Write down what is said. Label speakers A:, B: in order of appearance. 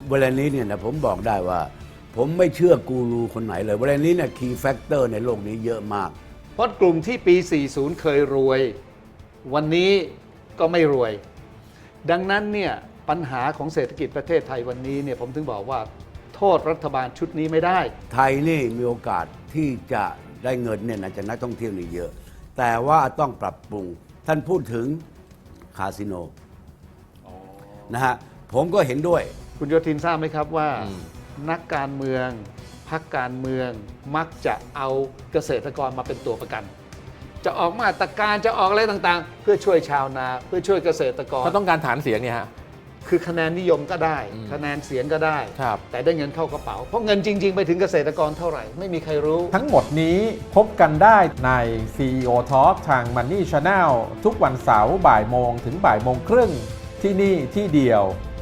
A: เวลานี้เนี่ยนะผมบอกได้ว่า ผมไม่เชื่อกูรูคนไหนเลยเวลานี้เนี่ยคีย์แฟกเตอร์ในโลกนี้เยอะมาก
B: เพราะกลุ่มที่ปี 40 เคยรวย วันนี้ก็ไม่รวย ดังนั้นเนี่ยปัญหาของเศรษฐกิจประเทศไทยวันนี้เนี่ยผมถึงบอกว่าโทษรัฐบาลชุดนี้ไม่ได้
A: ไทยนี่มีโอกาสที่จะได้เงินเนี่ยนะจากนักท่องเที่ยวนี่เยอะ แต่ว่าต้องปรับปรุงท่านพูดถึงคาสิโนนะฮะผมก็เห็นด้วย
B: คุณโยธินทราบไหมครับว่านักการเมืองพรรคการเมืองมักจะเอาเกษตรกรมาเป็นตัวประกัน จะออกมาตรการจะออกอะไรต่างๆ เพื่อช่วยชาวนาเพื่อช่วยเกษตรกร
C: เขาต้องการฐานเสียงเนี่ยฮะ
B: คือคะแนนนิยมก็ได้ คะแนนเสียงก็ได้
C: ครับ
B: แต่ได้เงินเข้ากระเป๋าเพราะเงินจริง ๆ ไปถึงเกษตรกรเท่าไหร่ ไม่มีใครรู้
D: ทั้งหมดนี้พบกันได้ใน CEO Talk ทาง Money Channel ทุกวันเสาร์บ่ายโมงถึงบ่ายโมงครึ่งที่นี่ที่เดียว